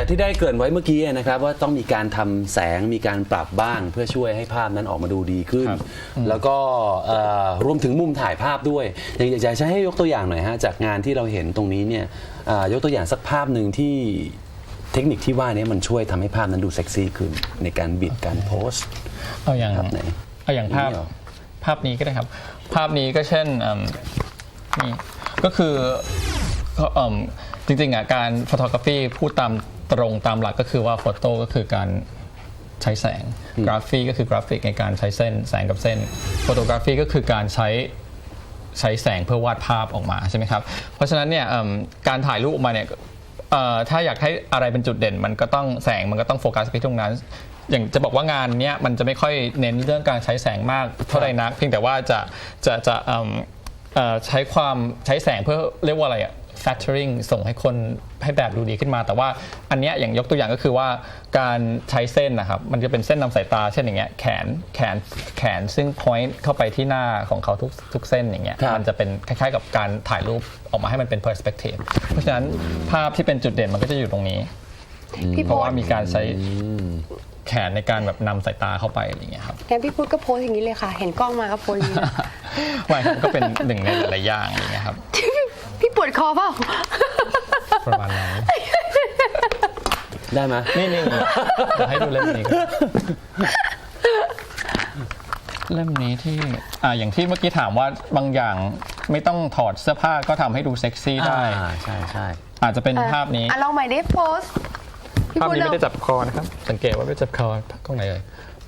จากที่ได้เกริ่นไว้เมื่อกี้นะครับว่าต้องมีการทำแสงมีการปรับบ้างเพื่อช่วยให้ภาพนั้นออกมาดูดีขึ้น แล้วก็รวมถึงมุมถ่ายภาพด้วยอยากจะให้ยกตัวอย่างหน่อยฮะจากงานที่เราเห็นตรงนี้เนี่ยยกตัวอย่างสักภาพหนึ่งที่เทคนิคที่ว่านี้มันช่วยทำให้ภาพนั้นดูเซ็กซี่ขึ้นในการบิดการโพสต์เอาอย่างไหนเอาอย่างภาพนี้ก็ได้ครับภาพนี้ก็เช่นนี่ก็คือจริงๆการฟอโตกราฟีพูดตามตรงตามหลักก็คือว่าโฟโต้ก็คือการใช้แสงกราฟีก็คือกราฟิกในการใช้เส้นแสงกับเส้นโฟโตกราฟีก็คือการใช้แสงเพื่อวาดภาพออกมาใช่ไหมครับเพราะฉะนั้นเนี่ยการถ่ายรูปออกมาเนี่ยถ้าอยากให้อะไรเป็นจุดเด่นมันก็ต้องแสงมันก็ต้องโฟกัสไปตรงนั้นอย่างจะบอกว่างานเนี้ยมันจะไม่ค่อยเน้นเรื่องการใช้แสงมากเท่าไหร่นักเพียงแต่ว่าจะใช้แสงเพื่อเรียกว่าอะไรfactoring ส่งให้คนให้แบบดูดีขึ้นมาแต่ว่าอันเนี้ยอย่างยกตัวอย่างก็คือว่าการใช้เส้นนะครับมันจะเป็นเส้นนำสายตาเช่นอย่างเงี้ยแขนซึ่ง point เข้าไปที่หน้าของเขาทุกเส้นอย่างเงี้ยมันจะเป็นคล้ายๆกับการถ่ายรูปออกมาให้มันเป็น perspective เพราะฉะนั้นภาพที่เป็นจุดเด่นมันก็จะอยู่ตรงนี้เพราะว่ามีการใช้แขนในการแบบนำสายตาเข้าไปอะไรอย่างเงี้ยครับงั้นพี่พุทธก็โพสอย่างนี้เลยค่ะเห็นกล้องมาก็โพสอย่างนี้ไม่ครับก็เป็นหนึ่งในหลายๆอย่างอย่างเงี้ยครับพี่ปวดคอเปล่าประมาณนั้นได้ไหมนี่ให้ดูเล่มนี้เล่มนี้ที่อย่างที่เมื่อกี้ถามว่าบางอย่างไม่ต้องถอดเสื้อผ้าก็ทำให้ดูเซ็กซี่ได้ใช่อาจจะเป็นภาพนี้ลองใหม่ได้โพสภาพนี้ไม่ได้จับคอนะครับสังเกตว่าไม่จับคอกล้องไหนเลย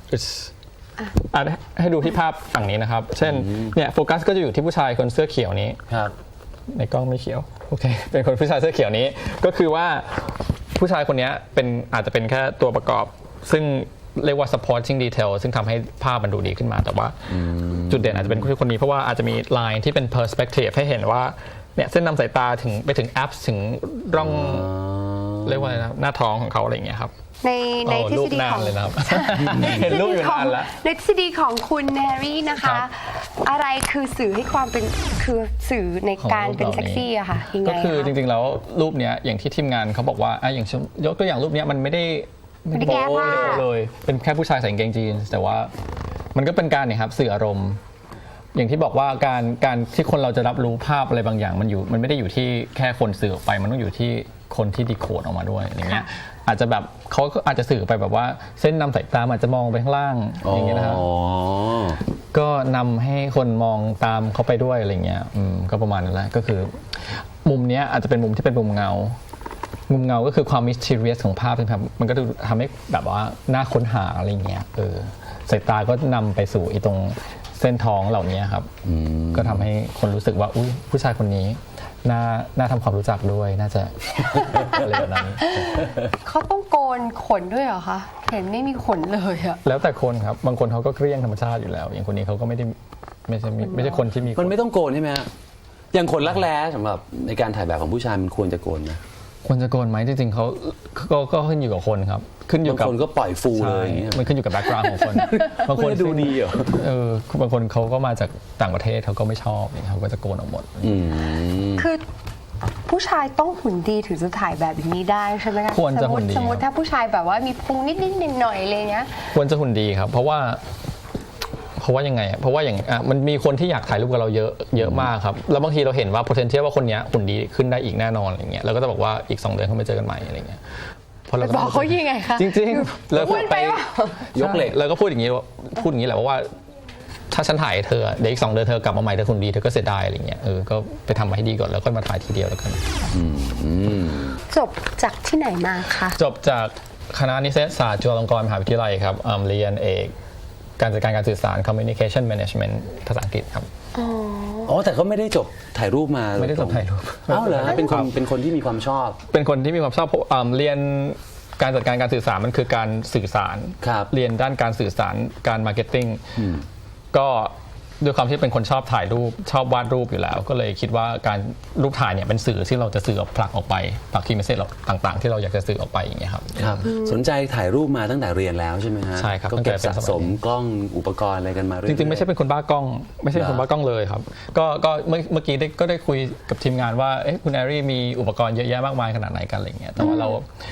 ให้ดูที่ภาพฝั่งนี้นะครับเช่นเนี่ยโฟกัสก็จะอยู่ที่ผู้ชายคนเสื้อเขียวนี้ครับในกล้องไม่เขียวโอเคเป็นคนผู้ชายเสื้อเขียวนี้ก็คือว่าผู้ชายคนนี้อาจจะเป็นแค่ตัวประกอบซึ่งเรียกว่า supporting detail ซึ่งทำให้ภาพมันดูดีขึ้นมาแต่ว่าจุดเด่นอาจจะเป็นคนนี้เพราะว่าอาจจะมี line ที่เป็น perspective ให้เห็นว่าเนี่ยเส้นนำสายตาถึงไปถึง apps ถึงร่องเรียกว่าอะไรนะหน้าท้องของเขาอะไรอย่างเงี้ยครับในทฤษฎีของเห็นรูปอยู่นานแล้วในทฤษฎีของคุณแฮร์รี่นะคะอะไรคือสื่อให้ความเป็นคือสื่อในการเป็นเซ็กซี่อะค่ะยังไงก็คือจริงๆแล้วรูปเนี้ยอย่างที่ทีมงานเขาบอกว่าอย่างยกตัวอย่างรูปเนี้ยมันไม่ได้แก้ผ้าเลยเป็นแค่ผู้ชายใส่กางเกงจีนแต่ว่ามันก็เป็นการเนี่ยครับสื่ออารมณ์อย่างที่บอกว่าการที่คนเราจะรับรู้ภาพอะไรบางอย่างมันไม่ได้อยู่ที่แค่คนสื่อออกไปมันต้องอยู่ที่คนที่ดีโคดออกมาด้วยอย่างเงี้ยอาจจะแบบเขาอาจจะสื่อไปแบบว่าเส้นนำสายตาอาจจะมองไปข้างล่างอย่างเงี้ยนะครับก็นำให้คนมองตามเขาไปด้วยอะไรเงี้ยก็ประมาณนั้นแหละก็คือมุมเนี้ยอาจจะเป็นมุมที่เป็นมุมเงาก็คือความ mysterious ของภาพนะครับมันก็จะทำให้แบบว่าน่าค้นหาอะไรเงี้ยสายตาก็นำไปสู่ตรงเส้นท้องเหล่านี้ครับก็ทำให้คนรู้สึกว่าอุ๊ยผู้ชายคนนี้น่าทำความรู้จักด้วยน่าจะอะไรแบบนั้นเขาต้องโกนขนด้วยเหรอคะเห็นไม่มีขนเลยอะแล้วแต่คนครับบางคนเขาก็เกลี้ยงธรรมชาติอยู่แล้วอย่างคนนี้เขาก็ไม่ใช่คนที่มีมันไม่ต้องโกนใช่ไหมฮะอย่างขนรักแร้สำหรับในการถ่ายแบบของผู้ชายมันควรจะโกนนะควรจะโกนไหมจริงๆเขาก็ขึ้นอยู่กับคนครับขึ้นอยู่กับบางคนก็ปล่อยฟูเลยมันขึ้นอยู่กับแบ็คกราวด์ของคนบางคนดูดีเหรอบางคนเขาก็มาจากต่างประเทศเขาก็ไม่ชอบเขาก็จะโกนออกหมดคือผู้ชายต้องหุ่นดีถึงจะถ่ายแบบนี้ได้ใช่ไหมคะควรจะหุ่นดีสมมติถ้าผู้ชายแบบว่ามีพุงนิดๆหน่อยๆอะไรเงี้ยควรจะหุ่นดีครับเพราะว่ายังไงเพราะว่าอย่างมันมีคนที่อยากถ่ายรูปกับเราเยอะมากครับแล้วบางทีเราเห็นว่า potential ว่าคนนี้หุ่นดีขึ้นได้อีกแน่นอนอะไรเงี้ยแล้วก็จะบอกว่าอีก2 เดือนเขาไปเจอกันใหม่อะไรเงี้ยพอเราบอกเขายังไงคะจริงๆแล้วไปยกเหล็กแล้วก็พูดอย่างนี้แหละว่าถ้าฉันถ่ายเธอเดี๋ยวอีก2 เดือนเธอกลับมาใหม่เธอหุ่นดีเธอก็เสียดายอะไรเงี้ยก็ไปทำมาให้ดีก่อนแล้วก็มาถ่ายทีเดียวแล้วกันจบจากที่ไหนมาคะจบจากคณะนิเทศศาสตร์จุฬาลงกรณ์มหาวิทยาลัยครับเรียนเอกการจัดการสื่อสาร communication management ภาษาอังกฤษครับแต่ก็ไม่ได้จบถ่ายรูปมาไม่ได้จบถ่ายรูปเหรอเป็นคนที่มีความชอบเป็นคนที่มีความชอบเรียนการจัดการสื่อสารมันคือการสื่อสารเรียนด้านการสื่อสารการมาร์เก็ตติ้งก็ด้วยความที่เป็นคนชอบถ่ายรูปชอบวาดรูปอยู่แล้วก็เลยคิดว่าการรูปถ่ายเนี่ยเป็นสื่อที่เราจะสื่อผลักออกไปผลักคีย์เมสเซจต่างๆที่เราอยากจะสื่อออกไปอย่างเงี้ยครับสนใจถ่ายรูปมาตั้งแต่เรียนแล้วใช่ไหมฮะใช่ครับก็เก็บสะสมกล้องอุปกรณ์อะไรกันมาเรื่อยๆจริงๆไม่ใช่เป็นคนบ้ากล้องไม่ใช่คนบ้ากล้องเลยครับก็เมื่อกี้ก็ได้คุยกับทีมงานว่าคุณแอรี่มีอุปกรณ์เยอะแยะมากมายขนาดไหนกันอะไรเงี้ยแต่ว่า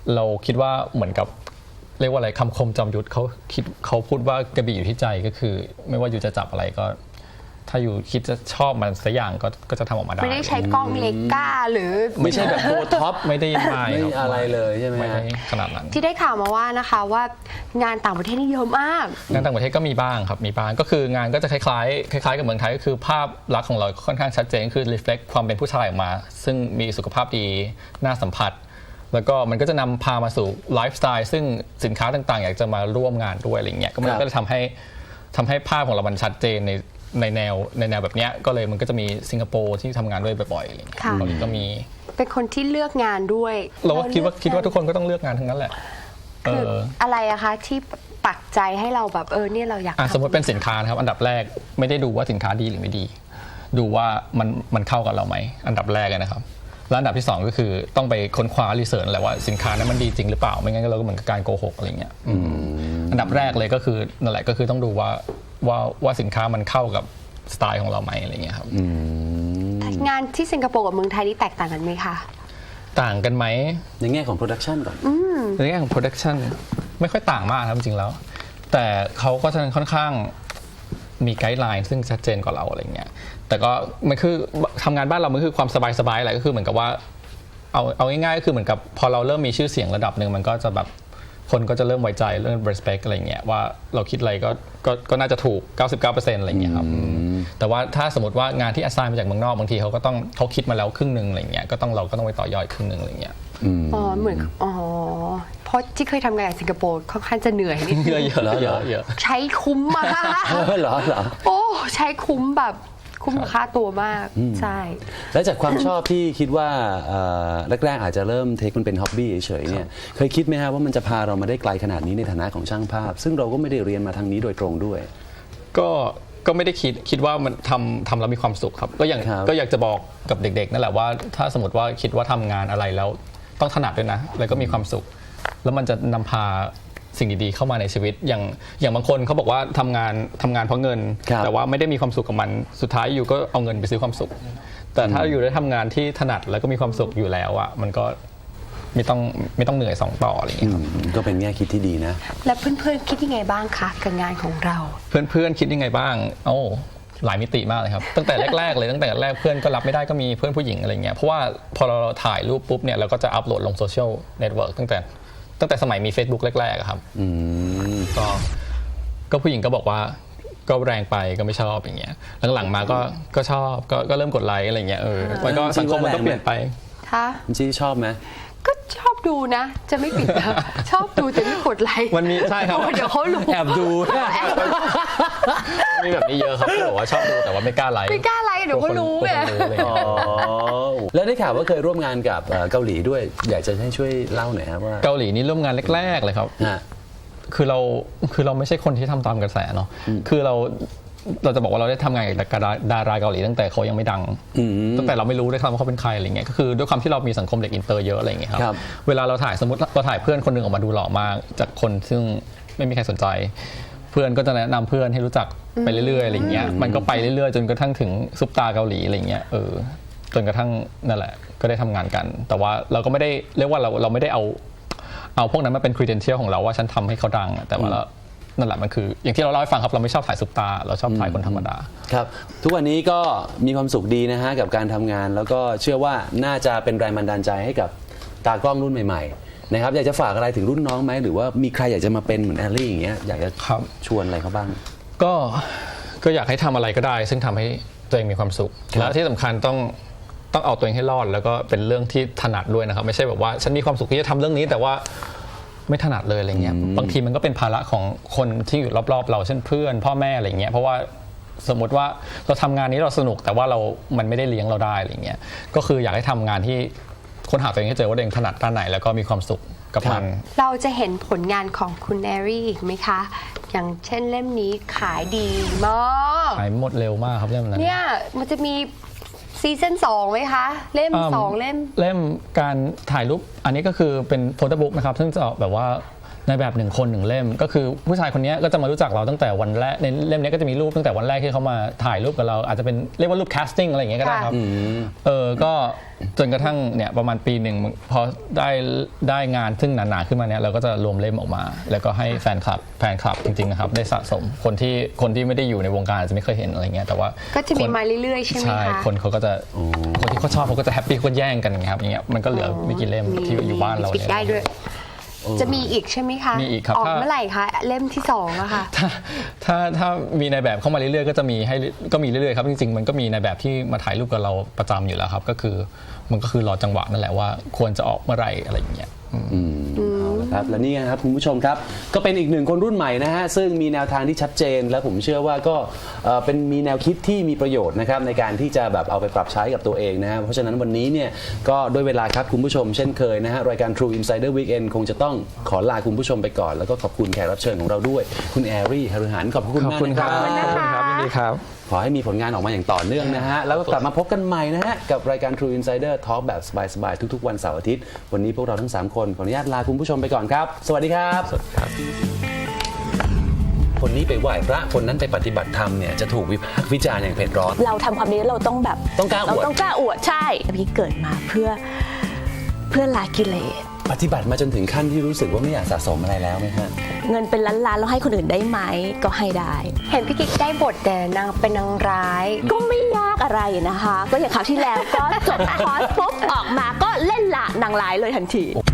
เราคิดว่าเหมือนกับเรียกว่าอะไรคำคมจอมยุทธเขาพูดว่ากระบี่อยู่ที่ใจก็คือ ไม่ว่าอยู่จะจับอะไรก็ ถ้าอยู่คิดจะชอบมันสักอย่างก็จะทำออกมาได้ไม่ได้ใช้กล้องเลก้าหรือไม่ใช่แบบโปรท็อปไม่ได้ไม่อะไรเลยใช่ไหมไม่ฮะได้ขนาดนั้นที่ได้ข่าวมาว่านะคะว่างานต่างประเทศนี่เยอะมากงานต่างประเทศก็มีบ้างครับมีบ้างก็คืองานก็จะคล้ายๆกับเมืองไทยก็คือภาพลักษณ์ของเราค่อนข้างชัดเจนคือ reflect ความเป็นผู้ชายออกมา ซึ่งมีสุขภาพดีน่าสัมผัส แล้วก็มันก็จะนำพามาสู่ไลฟ์สไตล์ซึ่งสินค้าต่างๆอยากจะมาร่วมงานด้วยอะไรเงี้ยก็มันก็จะทำให้ภาพของเรามันชัดเจนในแนวแบบเนี้ยก็เลยมันก็จะมีสิงคโปร์ที่ทำงานด้วยบ่อยๆอะไรเงี้ยค่ะเกาหลีก็มีเป็นคนที่เลือกงานด้วยเราก็คิดว่าทุกคนก็ต้องเลือกงานทั้งนั้นแหละคืออะไรอะคะที่ปักใจให้เราแบบเนี่ยเราอยากทำสมมติเป็นสินค้านะครับอันดับแรกไม่ได้ดูว่าสินค้าดีหรือไม่ดี ดูว่ามันเข้ากับเราไหมอันดับแรกเลยนะครับแล้วอันดับที่สองก็คือต้องไปค้นคว้ารีเสิร์ชแหละว่าสินค้านั้นมันดีจริงหรือเปล่าไม่งั้นเราก็เหมือนกับการโกหกอะไรเงี้ยอันดับแรกเลยก็คือนั่นแหละก็คือต้องดูว่าสินค้ามันเข้ากับสไตล์ของเราไหมอะไรเงี้ยครับงานที่สิงคโปร์กับเมืองไทยนี่แตกต่างกันไหมคะต่างกันไหมในแง่ของโปรดักชันก่อนในแง่ของ production ไม่ค่อยต่างมากครับจริงๆแล้ว แต่เขาก็จะค่อนข้างมีไกด์ไลน์ซึ่งชัดเจนกว่าเราอะไรเงี้ยแต่ก็มันคือทำงานบ้านเรามันคือความสบายๆแหละก็คือเหมือนกับว่าเอาง่ายๆก็คือเหมือนกับพอเราเริ่มมีชื่อเสียงระดับหนึ่งมันก็จะแบบคนก็จะเริ่มไว้ใจเริ่ม respect อะไรเงี้ยว่าเราคิดอะไรก็น่าจะถูก 99% อะไรเงี้ยครับแต่ว่าถ้าสมมติว่างานที่ assign มาจากเมืองนอกบางทีเขาคิดมาแล้วครึ่งนึงอะไรเงี้ยเราก็ต้องไปต่อยอดครึ่งนึงอะไรเงี้ยเหมือนเพราะที่เคยทำงานในสิงคโปร์ค่อนข้างจะเหนื่อยนิดนึงเยอะใช้คุ้มมากเหรอโอ้ใช้คุ้มแบบคุ้มค่าตัวมากใช่แล้วจากความชอบที่คิดว่าแรกๆอาจจะเริ่มเทคมันเป็นฮ็อบบี้เฉยๆเนี่ยเคยคิดไหมฮะว่ามันจะพาเรามาได้ไกลขนาดนี้ในฐานะของช่างภาพ ซึ่งเราก็ไม่ได้เรียนมาทางนี้โดยตรงด้วยก็ไม่ได้คิดว่ามันทำแล้วมีความสุขครับก็อยากจะบอกกับเด็กๆนั่นแหละว่าถ้าสมมติว่าคิดว่าทำงานอะไรแล้วต้องถนัดด้วยนะแล้วก็มีความสุข แล้วมันจะนำพาสิ่งดีๆเข้ามาในชีวิตอย่างบางคนเขาบอกว่าทำงานเพราะเงิน แต่ว่าไม่ได้มีความสุขกับมันสุดท้ายอยู่ก็เอาเงินไปซื้อความสุข แต่ถ้าอยู่ได้ทำงานที่ถนัดแล้วก็มีความสุขอยู่แล้วอ่ะมันก็ไม่ต้องเหนื่อย2 ต่ออะไรอย่างเงี้ยครับก็เป็นแง่คิดที่ดีนะแล้วเพื่อนๆคิดยังไงบ้างคะกับงานของเราเพื่อนคิดยังไงบ้างหลายมิติมากเลยครับตั้งแต่แรกๆเลยตั้งแต่แรกเพื่อนก็รับไม่ได้ก็มีเพื่อนผู้หญิงอะไรเงี้ยเพราะว่าพอเราถ่ายรูปปุ๊บเนี่ยเราก็จะอัพโหลดลงโซเชียลเน็ตเวิร์กตั้งแต่สมัยมี Facebook แรกๆครับก็ผู้หญิงก็บอกว่าก็แรงไปก็ไม่ชอบอย่างเงี้ยหลังๆมาก็ชอบก็เริ่มกดไลค์อะไรเงี้ยมันก็สังคมมันก็เปลี่ยนไปคะจี้ชอบไหมก็ชอบดูนะ จะไม่ปิดนะ ชอบดูแต่ไม่กดไลค์มันมีใช่ครับเดี๋ยวเขารู้แอบดูมีแบบนี้เยอะครับที่บอกว่าชอบดูแต่ว่าไม่กล้าไลค์ไม่กล้าไลค์เดี๋ยวเขารู้ไงแล้วได้ข่าวว่าเคยร่วมงานกับเกาหลีด้วย อยากจะให้ช่วยเล่าหน่อยครับว่าเกาหลีนี่ร่วมงานแรกๆเลยครับฮะคือเราไม่ใช่คนที่ทำตามกระแสเนาะคือเราจะบอกว่าเราได้ทำงานกับดาราเกาหลีตั้งแต่เขายังไม่ดังตั้งแต่เราไม่รู้ด้วยซ้ำว่าเขาเป็นใครอะไรเงี้ยก็คือด้วยความที่เรามีสังคมเด็กอินเตอร์เยอะอะไรเงี้ยครับเวลาเราถ่ายสมมติเราถ่ายเพื่อนคนหนึ่งออกมาดูหล่อมากจากคนซึ่งไม่มีใครสนใจ เพื่อนก็จะแนะนำเพื่อนให้รู้จักไปเรื่อยๆอะไรเงี้ยมันก็ไปเรื่อยๆจนกระทั่งถึงซุปตาเกาหลีอะไรเงี้ยจนกระทั่งนั่นแหละก็ได้ทำงานกัน แต่ว่าเราก็ไม่ได้เรียกว่าเราไม่ได้เอาพวกนั้นมาเป็น credential ของเราว่าฉันทำให้เขาดังแต่ว่านั่นแหละมันคืออย่างที่เราเล่าให้ฟังครับเราไม่ชอบถ่ายซุปตาเราชอบถ่ายคนธรรมดาครับทุกวันนี้ก็มีความสุขดีนะฮะกับการทำงานแล้วก็เชื่อว่าน่าจะเป็นแรงบันดาลใจให้กับตากล้องรุ่นใหม่ๆนะครับอยากจะฝากอะไรถึงรุ่นน้องไหมหรือว่ามีใครอยากจะมาเป็นเหมือนแอลลี่อย่างเงี้ยอยากจะชวนอะไรเขาบ้างก็อยากให้ทำอะไรก็ได้ซึ่งทำให้ตัวเองมีความสุขและที่สำคัญต้องเอาตัวเองให้รอดแล้วก็เป็นเรื่องที่ถนัดด้วยนะครับไม่ใช่แบบว่าฉันมีความสุขที่จะทำเรื่องนี้แต่ว่าไม่ถนัดเลยอะไรเงี้ยบางทีมันก็เป็นภาระของคนที่อยู่รอบๆเราเช่นเพื่อนพ่อแม่อะไรเงี้ยเพราะว่าสมมติว่าเราทำงานนี้เราสนุกแต่ว่ามันไม่ได้เลี้ยงเราได้อะไรเงี้ยก็คืออยากให้ทำงานที่ค้นหาตัวเองให้เจอว่าตัวเองถนัดด้านไหนแล้วก็มีความสุขกับมันเราจะเห็นผลงานของคุณแอรี่อีกไหมคะอย่างเช่นเล่มนี้ขายดีมากขายหมดเร็วมากครับเล่มนั้นเนี่ยมันจะมีซีซั่น2ไหมคะเล่ม2เล่มการถ่ายรูปอันนี้ก็คือเป็นโฟโต้บุ๊กนะครับซึ่งจะแบบว่าในแบบ1 คน 1 เล่มก็คือผู้ชายคนนี้ก็จะมารู้จักเราตั้งแต่วันแรกในเล่มนี้ก็จะมีรูปตั้งแต่วันแรกที่เขามาถ่ายรูปกับเราอาจจะเป็นเรียกว่ารูป casting อะไรอย่างเงี้ยก็ได้ครับก็จนกระทั่งเนี่ยประมาณปีหนึ่งพอได้งานซึ่งหนาๆขึ้นมาเนี่ยเราก็จะรวมเล่มออกมา แล้วก็ให้แฟนคลับจริงๆนะครับได้สะสมคนที่ไม่ได้อยู่ในวงการอาจจะไม่เคยเห็นอะไรเงี้ยแต่ว่าก็จะมีมาเรื่อยๆใช่ไหมคะใช่คนเขาก็จะคนที่เขาชอบเขาก็จะแฮปปี้เขาก็แย่งกันอย่างเงี้ยครับอย่างเงี้ยมันก็เหลือไม่กี่เล่มที่อยู่บ้านเราปิดเนี่ยได้ด้วย จะมีอีกใช่ไหมคะมีอีกครับออกเมื่อไหร่คะเล่มที่2อะค่ะถ้ามีในแบบเข้ามาเรื่อยๆก็จะมีก็มีเรื่อยๆครับจริงๆมันก็มีในแบบที่มาถ่ายรูปกับเราประจำอยู่แล้วครับก็คือรอจังหวะนั่นแหละว่าควรจะออกเมื่อไหร่อะไรอย่างเงี้ยเอาละครับและนี่นะครับคุณผู้ชมครับก็เป็นอีกหนึ่งคนรุ่นใหม่นะฮะซึ่งมีแนวทางที่ชัดเจนและผมเชื่อว่าก็เป็นมีแนวคิดที่มีประโยชน์นะครับในการที่จะแบบเอาไปปรับใช้กับตัวเองนะฮะเพราะฉะนั้นวันนี้เนี่ยก็ด้วยเวลาครับคุณผู้ชมเช่นเคยนะฮะรายการ True Insider Weekend คงจะต้องขอลาคุณผู้ชมไปก่อนแล้วก็ขอบคุณแขกรับเชิญของเราด้วยคุณแอรี่ฮารุหันขอบคุณมากนะครับขอบคุณครับยินดีครับขอให้มีผลงานออกมาอย่างต่อเนื่องนะฮะ แล้วก็กลับมาพบกันใหม่นะฮะ กับรายการ True Insider Talk แบบสบายๆ ทุกๆ วันเสาร์อาทิตย์ วันนี้พวกเราทั้ง 3 คนขออนุญาตลาคุณผู้ชมไปก่อนครับ สวัสดีครับ คนนี้ไปไหว้พระคนนั้นไปปฏิบัติธรรมเนี่ยจะถูกวิพากษ์วิจารณ์อย่างเผ็ดร้อนเราทำความดีแล้วเราต้องแบบต้องกล้าอวดเราต้องกล้าอวดใช่พี่เกิดมาเพื่อละกิเลสปฏิบัติมาจนถึงขั้นที่รู้สึกว่าไม่อยากสะสมอะไรแล้วไหมฮะเงินเป็นล้านๆแล้วให้คนอื่นได้ไหมก็ให้ได้เห็นพี่กิ๊กได้บทแต่นางเป็นนางร้ายก็ไม่ยากอะไรนะคะ ก็อย่างคราวที่แล้วก็จบคอร์สปุ๊บออกมาก็เล่นละนางร้ายเลยทันที